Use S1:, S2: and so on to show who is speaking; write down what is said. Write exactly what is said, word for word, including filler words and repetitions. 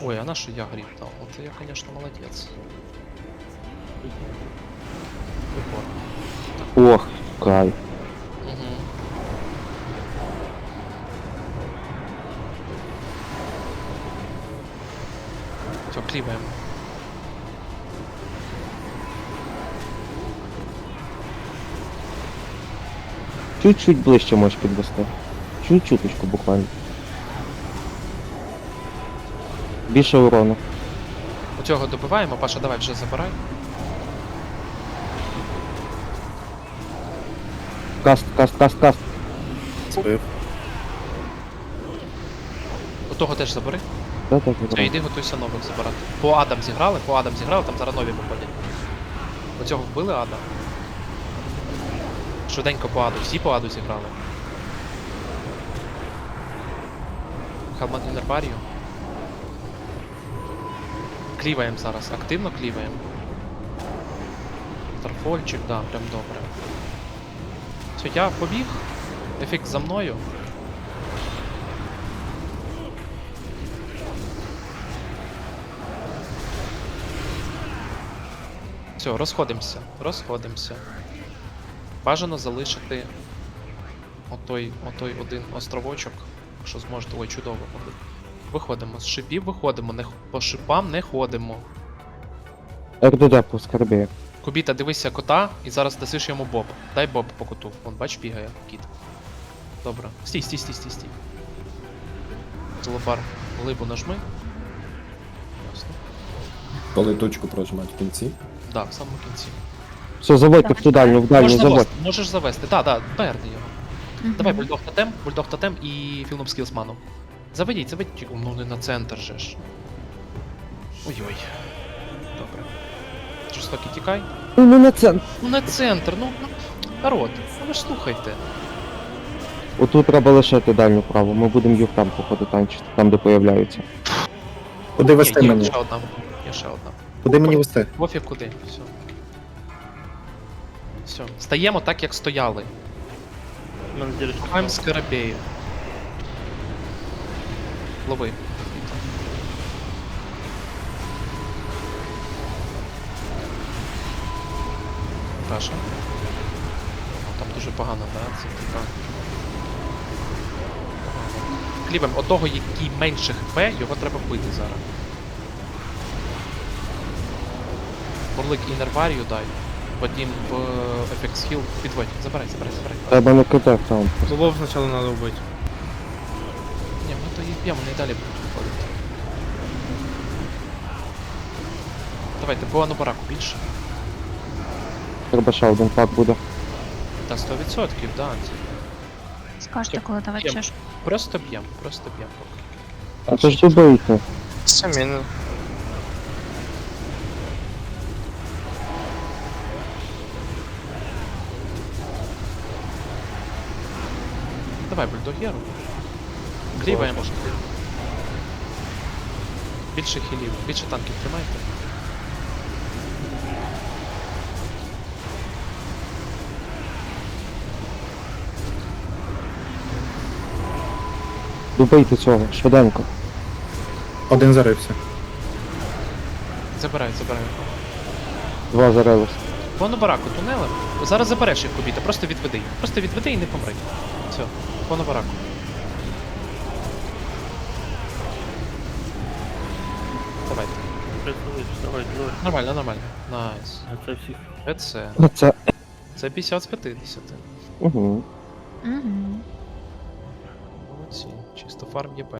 S1: Ой, а на що я гріб дав? Оце я, конечно, молодець. Прикольно.
S2: Ох, кайф.
S1: Угу. Все, кліваємо.
S2: Чуть-чуть ближче можеш підвести. Чуть-чуточку буквально. Більше урону.
S1: Оцього добиваємо, Паша, давай вже забирай.
S2: Каст, каст, каст, каст.
S3: Збив.
S1: Отого теж забери.
S2: Да, так,
S1: Все,
S2: так.
S1: йди, готуйся нових забирати. По Адам зіграли, по Адам зіграли, там зараз нові виходять. Оцього вбили Ада. Швиденько по Аду, всі по Аду зіграли. Халман Інербарію. Кліваємо зараз, активно кліваємо. Старфольчик, да, прям добре. Все, я побіг. Ефект за мною. Все, розходимося, розходимося. Бажано залишити отой, отой один островочок, якщо зможете. Ой, чудово. Виходимо з шипів, виходимо, не, х- по шипам не ходимо.
S2: РДД по скарбі.
S1: Кубіта, дивися кота і зараз дасиш йому боб. Дай боб по коту. Вон, бач, бігає кіт. Добре. Стій, стій, стій, стій, стій. Золобар, глибу нажми. Ясно.
S3: Коли точку прожимати в кінці.
S1: Да, в самому кінці.
S2: Все, заводьте в ту дальню, в дальню,
S1: Можна
S2: заводь.
S1: вести, можеш завести. Да, да, поверни його.
S4: Мгм.
S1: Давай бульдог тотем, бульдог тотем і філном скілсманом. Заведіть, заведіть. Ну не на центр же ж. Ой-ой. Добре. Жорстокий тікай.
S2: Ну, ну на центр.
S1: Ну на центр, ну. ну, Народ, ну ви ж слухайте.
S2: Отут треба лишити дальню праву, ми будемо їх там походу танчити, там де появляються.
S3: Куди вести
S1: Є, є
S3: мені?
S1: ще одна. Є ще одна.
S3: Куди мені вести?
S1: Пофіг куди. Все. Все. Стаємо так, як стояли. Шукаємо скарабею. Лови. Раша. О, там дуже погано, да? Це типа. Погано. Клівем, отого, який менше хп, його треба вбити зараз. Бурлик інерварію дай. Потім в ефект хіл підводь. Забирай, забирай, забирай.
S2: Треба не КТ там.
S5: Зубов сначала надо убить.
S1: Ні, ми то їх б'ємо, вони і далі будуть виходити. Давайте, по анубараку більше.
S2: Треба ще один пак буде.
S1: Та сто відсотків, да. Це
S4: Скажете, коли давати
S1: Єм.
S4: чеш.
S1: просто б'ємо, просто б'ємо поки.
S2: А то ж добийте.
S5: Самі.
S1: Давай, бульдогеру. Кліваємо. Більше хілів, більше танків тримайте.
S2: Добийте цього, швиденько.
S3: Один зарився.
S1: Забирай, забирай.
S2: Два зарились.
S1: По анубараку тунелем. Зараз забереш їх кубіта, просто відведи. Просто відведи і не помри. Все, по анубараку. Давайте. Нормально, нормально. Найс.
S6: Це всіх.
S1: Це.
S2: Оце.
S1: Це п'ятдесят з п'ятдесят.
S2: Угу.
S4: Угу.
S1: Молодці. Чисто фарм ЄП.